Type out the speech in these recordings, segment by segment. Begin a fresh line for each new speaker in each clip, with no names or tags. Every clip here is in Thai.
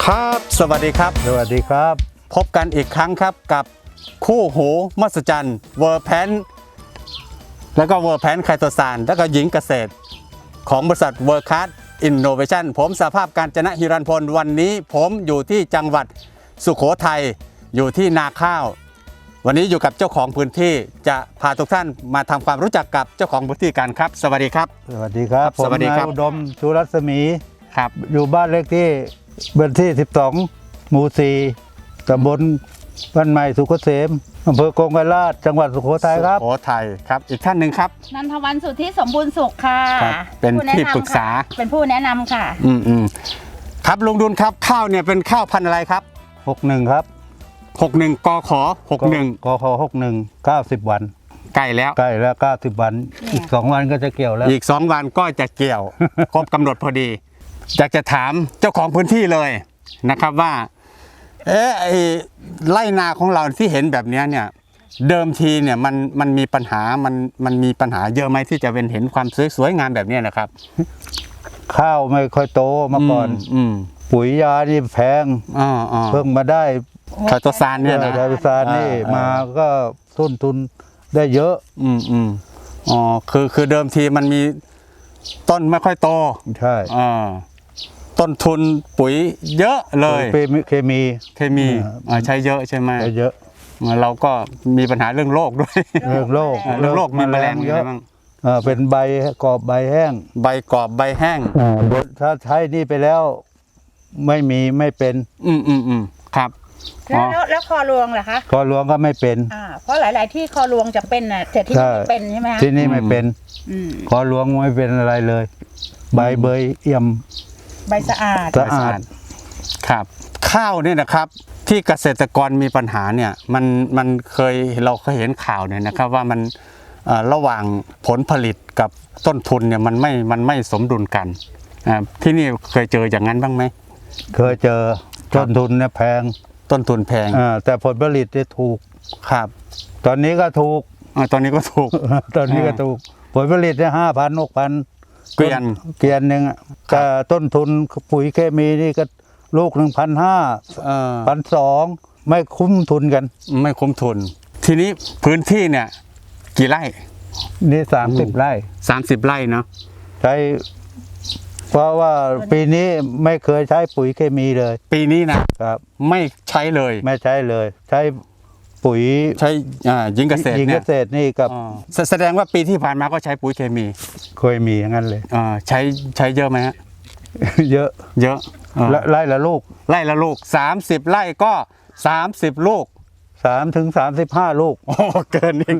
ครับสวัสดีครับ
สวัสดีครับ
พบกันอีกครั้งครับกับคู่หูมหัศจรรย์เวอร์แพนแล้วก็เวอร์แพนไคโตซานแล้วก็หญิงเกษตรของบริษัทเวอร์คัสอินโนเวชั่นผมสภาพการจนะฮิรันพลวันนี้ผมอยู่ที่จังหวัดสุโขทัยอยู่ที่นาข้าววันนี้อยู่กับเจ้าของพื้นที่จะพาทุกท่านมาทำความรู้จักกับเจ้าของพื้นที่กันครับสวัสดีครับ
สวัสดีครับ
สวัสดีครับ
ผมนายอุดมชูรัศมี
ครับ
อยู่บ้านเลขที่บ้านที่12หมู่4ตำบลบ้านใหม่สุขเกษมอำเภอกงไกรลาษจังหวัดสุโขทัยครับ
สุโขทัยครับอีกท่านหนึ่งครับ
นันทวันสุทธิสมบูรณ์สุขค่ะ
เป็นที่ปรึกษา
เป็นผู้แนะนำค่ะ
ครับลุงดุลครับข้าวเนี่ยเป็นข้าวพันธุ์อะไรครับ
61ครับ
61กข61
กข61 90วัน
ใกล้แล้ว
90วันอีก2วันก็จะเกี่ยวแล้ว
อีก2วันก็จะเกี่ยว ครบกำหนดพอดีอยากจะถามเจ้าของพื้นที่เลยนะครับว่าไอ้ไร่นาของเราที่เห็นแบบนี้เนี่ยเดิมทีเนี่ยมันมีปัญหามันมีปัญหาเยอะไหมที่จะเป็นเห็นความสวยงามแบบนี้นะครับ
ข้าวไม่ค่อยโตมาก่อนปุ๋ยยานี่แพงเพิ่งมาได้
ไคโตซานเนี่ยนะ
ไคโตซานนี่มาก็ต้นทุนได้เยอะ
คือเดิมทีมันมีต้นไม่ค่อยโต
ใช่
ต้นทุนปุ๋ยเยอะเลย
เคมี
ใช้เยอะใช่ไหม
ใช้เยอะ
เราก็มีปัญหาเรื่องโรคด้วย
เรื่องโรค
มีแมลงเยอะ
เป็นใบกรอบใบแห้ง
ใบกรอบใบแห้ง
ถ้าใช้นี่ไปแล้วไม่เป็น
ครับ
แล้วคอรวงเหรอคะ
คอรวงก็ไม่เป็น
เพราะหลายๆที่คอรวงจะเป็นแต่ที่นี่ไม่เป็นใช่ไหม
ที่นี่ไม่เป็นคอรวงไม่เป็นอะไรเลยใบเบยเอี่ยม
ใบสะอาด
ครับข้าวเนี่ยนะครับที่เกษตรกรมีปัญหาเนี่ยมันเราเคยเห็นข่าวเนี่ยนะครับว่ามันระหว่างผลผลิตกับต้นทุนเนี่ยมันไม่สมดุลกันที่นี่เคยเจออย่างนั้นบ้างไหม
เคยเจอต้นทุนเนี่ยแพง
ต้นทุนแพง
แต่ผลผลิตเนี่ยถูก
ครับ
ตอนนี้ก็ถูก
ตอนนี้ก็ถูก
ผลผลิตเนี่ย5,000-6,000เกวียนหนึ่งแต่ต้นทุนปุ๋ยเคมีนี่ก็ลูก1,500 1,200ไม่คุ้มทุนกัน
ไม่คุ้มทุนทีนี้พื้นที่เนี่ยกี่ไร่
นี่30 ไร่
30 ไร่เนาะ
ใช้เพราะว่าปีนี้ไม่เคยใช้ปุ๋ยเคมีเลย
ปีนี้นะครับไม่ใช้เลยใช้ปุ๋ย
ใช้
หญิงเกษตร
นี่กับ
แสดงว่าปีที่ผ่านมาก็ใช้ปุ๋ยเคมี
เคยมีอย่างนั้นเลย
ใช้เยอะไหมฮะ
เยอะไร่ละลูก
30 ไร่ก็30 ลูก
3-35 ลูก
เกินอีก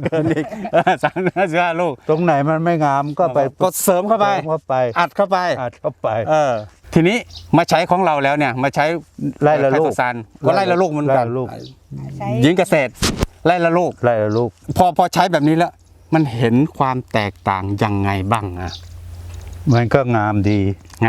35 ลูก
ตรงไหนมันไม่งามก็ไป
ก็เสริมเข้าไปอัดเข้าไปทีนี้มาใช้ของเราแล้วเนี่ยมาใช้
ไร่ละลูก
ก็ไร่ละลูกเหมือนกันหญิงเกษตรไร่ละลูกพอใช้แบบนี้แล้วมันเห็นความแตกต่างยังไงบ้าง
มันก็งามดี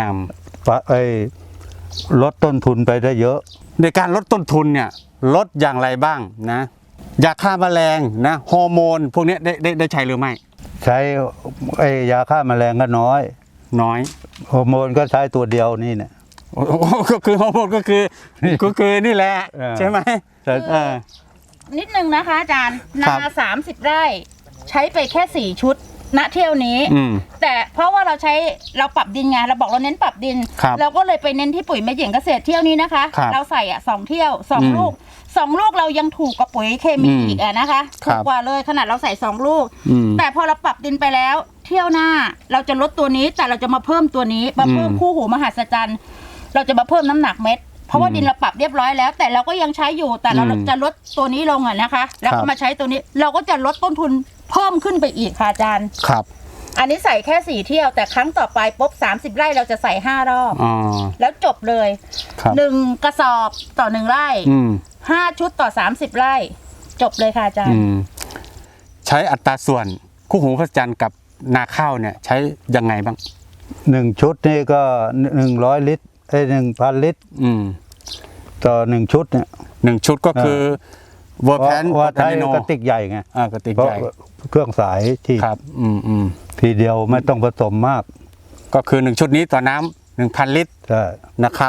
ลดต้นทุนไปได้เยอะ
ในการลดต้นทุนเนี่ยลดอย่างไรบ้างนะยาฆ่าแมลงนะฮอร์โมนพวกนี้ได้ใช้หรือไม่
ใช้ยาฆ่าแมลงก็น้อยฮอร์โมนก็ใช้ตัวเดียวนี่เนี่ย
ก็คือฮอร์โมนก็คือนี่แหละใช่ไหม
นิดนึงนะคะอาจารย์นา30 ไร่ใช้ไปแค่4 ชุดณเที่ยวนี้แต่เพราะว่าเราปรับดินไงเราบอกเราเน้นปรับดินเราก็เลยไปเน้นที่ปุ๋ยแม่หญิงเกษตรเที่ยวนี้นะคะเราใส่2 เที่ยว2 ลูก2 ลูกเรายังถูกกับปุ๋ยเคมีอีกนะคะถูกกว่าเลยขนาดเราใส่2 ลูกแต่พอเราปรับดินไปแล้วเที่ยวหน้าเราจะลดตัวนี้แต่เราจะมาเพิ่มตัวนี้มาเพิ่มคู่หูมหัศจรรย์เราจะมาเพิ่มน้ำหนักเม็ดเพราะว่าดินเราปรับเรียบร้อยแล้วแต่เราก็ยังใช้อยู่แต่เราจะลดตัวนี้ลงนะคะแล้วก็มาใช้ตัวนี้เราก็จะลดต้นทุนเพิ่มขึ้นไปอีกค่ะอาจารย์
ครับ
อันนี้ใส่แค่4 เที่ยวแต่ครั้งต่อไปปุ๊บ30 ไร่เราจะใส่5 รอบแล้วจบเลย1 กระสอบต่อ1 ไร่5 ชุดต่อ30 ไร่จบเลยค่ะอาจารย์
ใช้อัตราส่วนคู่หูมหัศจรรย์กับนาข้าวเนี่ยใช้ยังไงบ้าง
1 ชุดนี่ก็100 ลิตร1,000 ลิตรต่อ1 ชุดเนี่ย
1 ชุดก็คือเวอร์แพน
ใช้กระติกใหญ่ไง
กระติกใหญ่
เครื่องสายที่
ครับ
ทีเดียวไม่ต้องผสมมาก
ก็คือ1 ชุดนี้ต่อน้ำ1,000 ลิตรนะครับ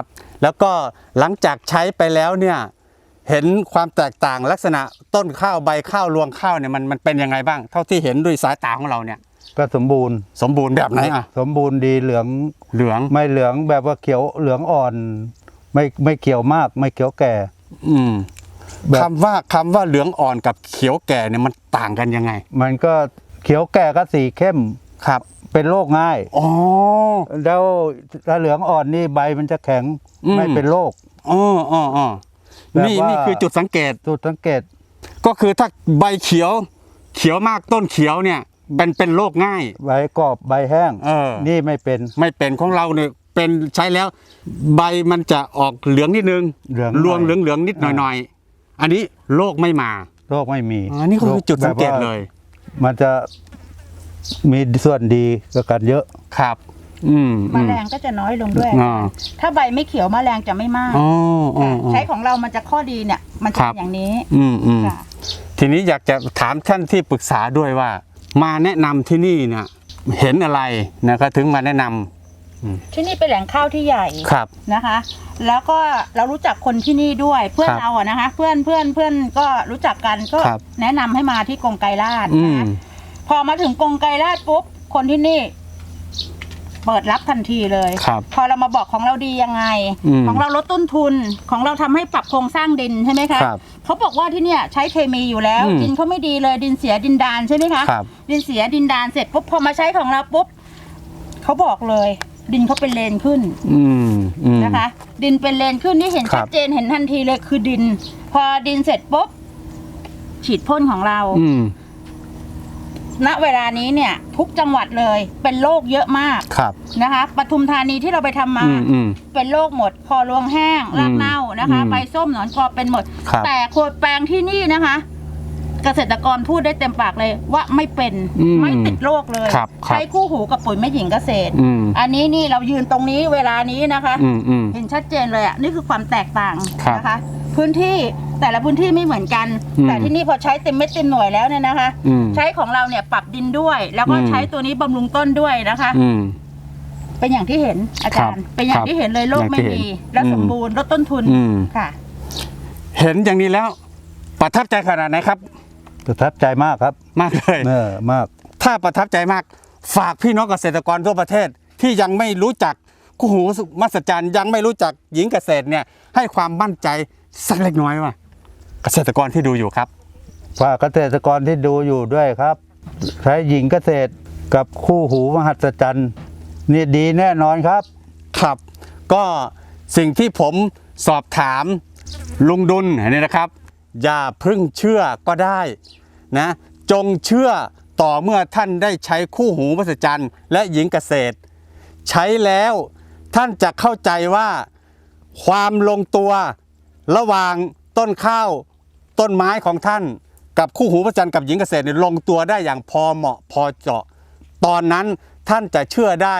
แล้วก็หลังจากใช้ไปแล้วเนี่ยเห็นความแตกต่างลักษณะต้นข้าวใบข้าวรวงข้าวเนี่ยมันเป็นยังไงบ้างเท่าที่เห็นด้วยสายตาของเราเนี่ย
ก็สมบูรณ์
สมบูรณ์แบบไหนอ่ะ
สมบูรณ์ดีเหลือง
เหลือง
ไม่เหลืองแบบว่าเขียวเหลืองอ่อน ไม่เขียวมากไม่เขียวแก่
อืม
แบบ
คำว่าเหลืองอ่อนกับเขียวแก่เนี่ยมันต่างกันยังไง
มันก็เขียวแก่ก็สีเข้ม
ครับ
เป็นโรคง่าย
อ๋อ
แล้วถ้าเหลืองอ่อนนี่ใบมันจะแข็ง
อืม
ไม่เป็นโรค
อ๋ออ๋ออ๋อ
แบบว่านี่
นี่คือจุดสังเกต
จุดสังเกต
ก็คือถ้าใบเขียวมากต้นเขียวเนี่ยเป็นโรคง่าย
ใบกรอบใบแห้ง นี่ไม่เป็น
ไม่เป็นของเราเนี่ยเป็นใช้แล้วใบมันจะออกเหลืองนิดนึง
เหลือง
รวงเหลืองนิดหน่อยๆอันนี้โรคไม่มา
โรคไม่มี
อันนี้คือจุดสังเกตเลย
มันจะมีส่วนดีกับกันเยอะ
ครับ
แมลงก็จะน้อยลงด้วย
อ่า
ถ้าใบไม่เขียวแมลงจะไม่มาก
อ๋ออ๋อ
ค่ะ
อ๋อ
ใช้ของเรามันจะข้อดีเนี่ย มันจะ
ครับ
เป็นอย่างนี้
อืม
ค่ะ
ทีนี้อยากจะถามท่านที่ปรึกษาด้วยว่า มาแนะนำที่นี่เนี่ยเห็นอะไรนะครับถึงมาแนะนำ
ที่นี่เป็นแหล่งข้าวที่ใหญ่
ครับ
นะคะ แล้วก็เรารู้จักคนที่นี่ด้วยเพื่อน
ครับ
เราอะนะคะ เพื่อนก็รู้จักกันก็
ครับ
แนะนำให้มาที่กรงไกรลาด
อืม
นะคะพอมาถึงกรงไกรลาดปุ๊บคนที่นี่ เปิดรับทันทีเลย
ครับ
พอเรามาบอกของเราดียังไง
อืม
ของเราลดต้นทุนของเราทำให้ปรับโครงสร้างดินใช่ไหมคะ
ครับ
เขาบอกว่าที่เนี่ยใช้เคมีอยู่แล้ว
อืม
ดินเขาไม่ดีเลยดินเสียดินดานใช่ไหมคะ
ครับ
ดินเสียดินดานเสร็จปุ๊บพอมาใช้ของเราปุ๊บเขาบอกเลย ดินเขาเป็นเลนขึ้น
อืม
นะคะ ดินเป็นเลนขึ้นนี่เห็น
ครั
ชั
บ
ดเจนเห็นทันทีเลยคือดิน พอดินเสร็จปุ๊บฉีดพ่นของเรา
อืม
ณเวลานี้เนี่ย ทุกจังหวัดเลยเป็นโรคเยอะมาก
ครับ
นะคะปทุมธานีที่เราไปทำมา
อืม
เป็นโรคหมดคอรวงแห้งรากเน่านะคะ
อืม
ใบส้มหนอนกรอบเป็นหมด
ครับ
แต่โคดแปลงที่นี่นะคะ เกษตรกรพูดได้เต็มปากเลยว่าไม่เป็น
อืม
ไม่ติดโรคเลย
ครับ
ใช้คู่หูกับปุ๋ยแม่หญิงเกษตร
อืม
อันนี้นี่เรายืนตรงนี้เวลานี้นะคะ
อืม
เห็นชัดเจนเลยอ่ะนี่คือความแตกต่าง
ครับ
นะคะ พื้นที่แต่ละพื้นที่ไม่เหมือนกัน
อืม
แต่ที่นี่พอใช้เต็มเม็ดเต็มหน่วยแล้วเนี่ยนะคะ
อืม
ใช้ของเราเนี่ยปรับดินด้วย แล้วก็
อืม
ใช้ตัวนี้บำรุงต้นด้วยนะคะ
อืม
เป็นอย่างที่เห็นอาจารย์
ครับ
เป็นอย่างที่เห็นเลยโรคไม่
อย่างที่
มี
เห็น
และ
อืม
สมบูรณ์ลดต้นทุน
อืม
ค่ะ
เห็นอย่างนี้แล้วประทับใจขนาดไหนครับ
ประทับใจมากครับ
มากเลย
มาก
ถ้าประทับใจมากฝากพี่น้องเกษตรกรทั่วประเทศที่ยังไม่รู้จักคู่หูมหัศจรรย์ยังไม่รู้จักหญิงเกษตรเนี่ยให้ความมั่นใจสักเล็กน้อยว่าเกษตรกรที่ดูอยู่ครับ
ฝากเกษตรกรที่ดูอยู่ด้วยครับ ใช้หญิงเกษตรกับคู่หูมหัศจรรย์นี่ดีแน่นอนครับ
ครับ ก็สิ่งที่ผมสอบถามลุงดุลนี่นะครับ อย่าเพึ่งเชื่อก็ได้นะจงเชื่อต่อเมื่อท่านได้ใช้คู่หูมหัศจรรย์และหญิงเกษตร ใช้แล้วท่านจะเข้าใจว่าความลงตัวระหว่างต้นข้าวต้นไม้ของท่าน กับคู่หูมหัศจรรย์กับหญิงเกษตรเนี่ยลงตัวได้อย่างพอเหมาะพอเจาะ ตอนนั้นท่านจะเชื่อได้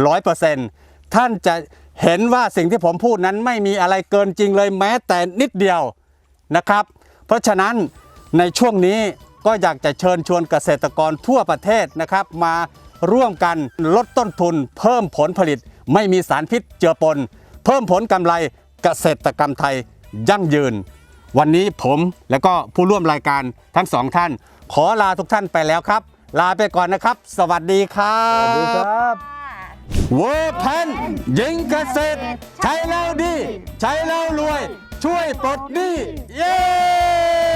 100%ท่านจะเห็นว่าสิ่งที่ผมพูดนั้นไม่มีอะไรเกินจริงเลยแม้แต่นิดเดียวนะครับ เพราะฉะนั้นในช่วงนี้ก็อยากจะเชิญชวนเกษตรกรทั่วประเทศนะครับ มาร่วมกันลดต้นทุน เพิ่มผลผลิต ไม่มีสารพิษเจือปน เพิ่มผลกำไรเกษตรกรรมไทยยั่งยืน วันนี้ผมและก็ผู้ร่วมรายการทั้งสองท่าน ขอลาทุกท่านไปแล้วครับ ลาไปก่อนนะครับ สวัสดีครับ
สวัสดีครับ
เวอร์แพนหญิงเกษตร ใช้แล้วดี ใช้แล้วรวย ช่วยปลดหนี้เย้